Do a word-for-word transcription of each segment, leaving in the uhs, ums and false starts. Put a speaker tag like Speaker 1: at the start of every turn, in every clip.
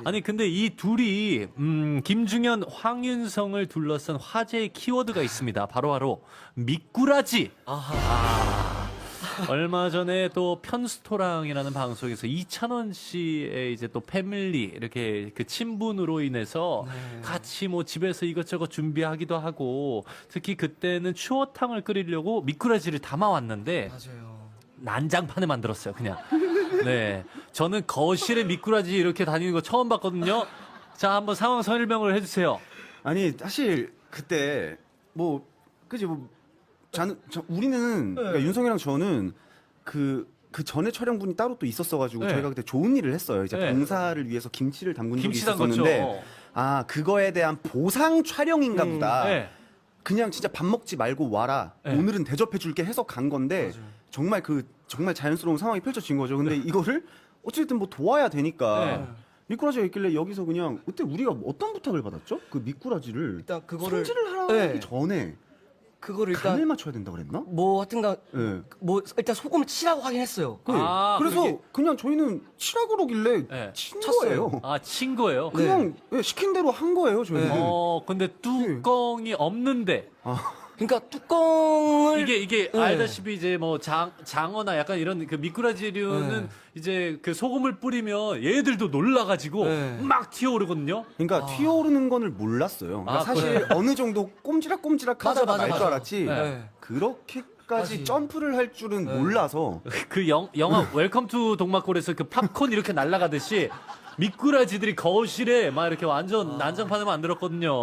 Speaker 1: 아니 근데 이 둘이 음, 김중현, 황윤성을 둘러싼 화제의 키워드가 있습니다. 바로바로 미꾸라지.
Speaker 2: 아하.
Speaker 1: 아, 얼마 전에 또 편스토랑이라는 방송에서 이찬원 씨의 이제 또 패밀리 이렇게 그 친분으로 인해서
Speaker 2: 네.
Speaker 1: 같이 뭐 집에서 이것저것 준비하기도 하고 특히 그때는 추어탕을 끓이려고 미꾸라지를 담아왔는데
Speaker 2: 맞아요.
Speaker 1: 난장판에 만들었어요, 그냥. 네. 저는 거실에 미꾸라지 이렇게 다니는 거 처음 봤거든요. 자, 한번 상황 설명을 해주세요.
Speaker 3: 아니 사실 그때 뭐 그지 뭐 자는 저, 우리는
Speaker 2: 네.
Speaker 3: 그러니까 윤성이랑 저는 그 그 전에 촬영분이 따로 또 있었어가지고
Speaker 1: 네.
Speaker 3: 저희가 그때 좋은 일을 했어요. 이제
Speaker 1: 네.
Speaker 3: 봉사를 위해서 김치를 담근 적이
Speaker 1: 김치 담궜죠.
Speaker 3: 있었었는데 아 그거에 대한 보상 촬영인가
Speaker 2: 음,
Speaker 3: 보다.
Speaker 1: 네.
Speaker 3: 그냥 진짜 밥 먹지 말고 와라.
Speaker 1: 네.
Speaker 3: 오늘은 대접해줄게 해서 간 건데
Speaker 2: 맞아요.
Speaker 3: 정말 그 정말 자연스러운 상황이 펼쳐진 거죠. 근데 이거를 어쨌든 뭐 도와야 되니까
Speaker 1: 네.
Speaker 3: 미꾸라지가 있길래 여기서 그냥 그때 우리가 어떤 부탁을 받았죠? 그 미꾸라지를
Speaker 2: 일단 그거를
Speaker 3: 손질을 하기
Speaker 2: 네.
Speaker 3: 전에
Speaker 2: 그거를
Speaker 3: 간을
Speaker 2: 일단
Speaker 3: 맞춰야 된다 그랬나?
Speaker 2: 뭐 하여튼간
Speaker 3: 네.
Speaker 2: 뭐 일단 소금을 치라고 하긴 했어요.
Speaker 3: 그,
Speaker 1: 아,
Speaker 3: 그래서
Speaker 1: 그게-
Speaker 3: 그냥 저희는 치라고 그러길래
Speaker 1: 네.
Speaker 3: 친
Speaker 2: 쳤어요.
Speaker 3: 거예요.
Speaker 1: 아, 친 거예요?
Speaker 3: 그냥 예, 시킨 대로 한 거예요, 저희는.
Speaker 2: 네.
Speaker 1: 어, 근데 뚜껑이 없는데.
Speaker 2: 그러니까 뚜껑을
Speaker 1: 이게, 이게,
Speaker 2: 네.
Speaker 1: 알다시피 이제 뭐 장, 장어나 약간 이런 그 미꾸라지류는
Speaker 2: 네.
Speaker 1: 이제 그 소금을 뿌리면 얘들도 놀라가지고
Speaker 2: 네.
Speaker 1: 막 튀어오르거든요.
Speaker 3: 그러니까 튀어오르는 거를 몰랐어요. 그러니까
Speaker 1: 아,
Speaker 3: 사실 어느 정도 꼼지락꼼지락
Speaker 2: 맞아,
Speaker 3: 하다가
Speaker 2: 맞아,
Speaker 3: 말 줄
Speaker 2: 맞아.
Speaker 3: 알았지.
Speaker 2: 네.
Speaker 3: 그렇게까지
Speaker 2: 맞지.
Speaker 3: 점프를 할 줄은
Speaker 2: 네.
Speaker 3: 몰라서.
Speaker 1: 그 영, 영화 웰컴 투 동막골에서 그 팝콘 이렇게 날아가듯이 미꾸라지들이 거실에 막 이렇게 완전 난장판을 만들었거든요.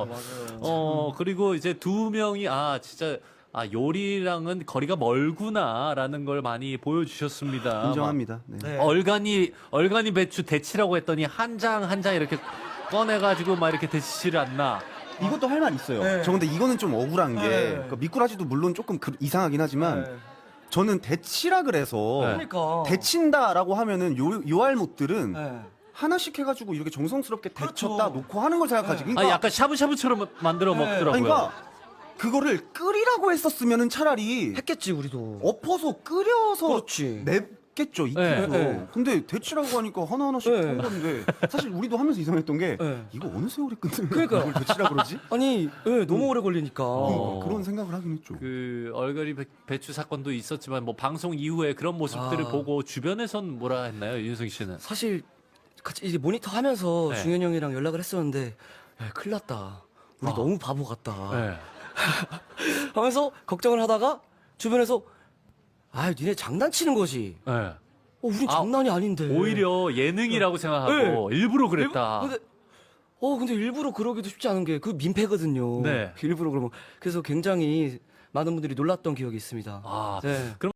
Speaker 1: 어, 그리고 이제 두 명이 아, 진짜 아, 요리랑은 거리가 멀구나라는 걸 많이 보여주셨습니다.
Speaker 3: 인정합니다. 네.
Speaker 2: 네.
Speaker 1: 막 얼간이, 얼간이 배추 데치라고 했더니 한 장 한 장 이렇게 꺼내가지고 막 이렇게 데치지를 않나.
Speaker 3: 이것도 할 말 있어요.
Speaker 2: 네.
Speaker 3: 저 근데 이거는 좀 억울한 게
Speaker 2: 네.
Speaker 3: 그러니까 미꾸라지도 물론 조금 그- 이상하긴 하지만
Speaker 2: 네.
Speaker 3: 저는 데치라 그래서
Speaker 1: 네.
Speaker 2: 그러니까
Speaker 3: 데친다라고 하면은 요, 요 알못들은
Speaker 2: 네.
Speaker 3: 하나씩 해가지고 이렇게 정성스럽게
Speaker 2: 그렇죠.
Speaker 3: 데쳤다 놓고 하는 걸 생각하지.
Speaker 2: 네.
Speaker 3: 그러니까,
Speaker 1: 아, 약간 샤브샤브처럼 만들어
Speaker 2: 네.
Speaker 1: 먹더라고요.
Speaker 3: 아니, 그러니까 그거를 끓이라고 했었으면은 차라리
Speaker 2: 했겠지 우리도.
Speaker 3: 엎어서 끓여서
Speaker 2: 그렇지.
Speaker 3: 맵겠죠 익혀서.
Speaker 1: 네,
Speaker 2: 네.
Speaker 3: 근데 데치라고 하니까 하나 하나씩
Speaker 2: 네.
Speaker 3: 한 건데 사실 우리도 하면서 이상했던 게
Speaker 2: 네.
Speaker 3: 이거 어느 세월이 끝나면
Speaker 2: 그러니까.
Speaker 3: 이걸 데치라 그러지?
Speaker 2: 아니 예, 너무 오래 걸리니까.
Speaker 1: 어.
Speaker 3: 그런 생각을 하긴 했죠.
Speaker 1: 그 얼갈이 배- 배추 사건도 있었지만 뭐 방송 이후에 그런 모습들을
Speaker 2: 아.
Speaker 1: 보고 주변에선 뭐라 했나요, 윤성 씨는?
Speaker 2: 사실 같이 이제 모니터 하면서
Speaker 1: 네.
Speaker 2: 중현 형이랑 연락을 했었는데 야, 큰일 났다. 우리
Speaker 1: 아.
Speaker 2: 너무 바보 같다.
Speaker 1: 네.
Speaker 2: 하면서 걱정을 하다가 주변에서 아, 니네 장난치는 거지.
Speaker 1: 네.
Speaker 2: 어, 우린
Speaker 1: 아,
Speaker 2: 장난이 아닌데.
Speaker 1: 오히려 예능이라고 생각하고 일부러 그랬다.
Speaker 2: 근데 어, 근데 일부러 그러기도 쉽지 않은 게 그 민폐거든요.
Speaker 1: 네.
Speaker 2: 일부러 그러면 그래서 굉장히 많은 분들이 놀랐던 기억이 있습니다.
Speaker 1: 아,
Speaker 2: 네.
Speaker 1: 그럼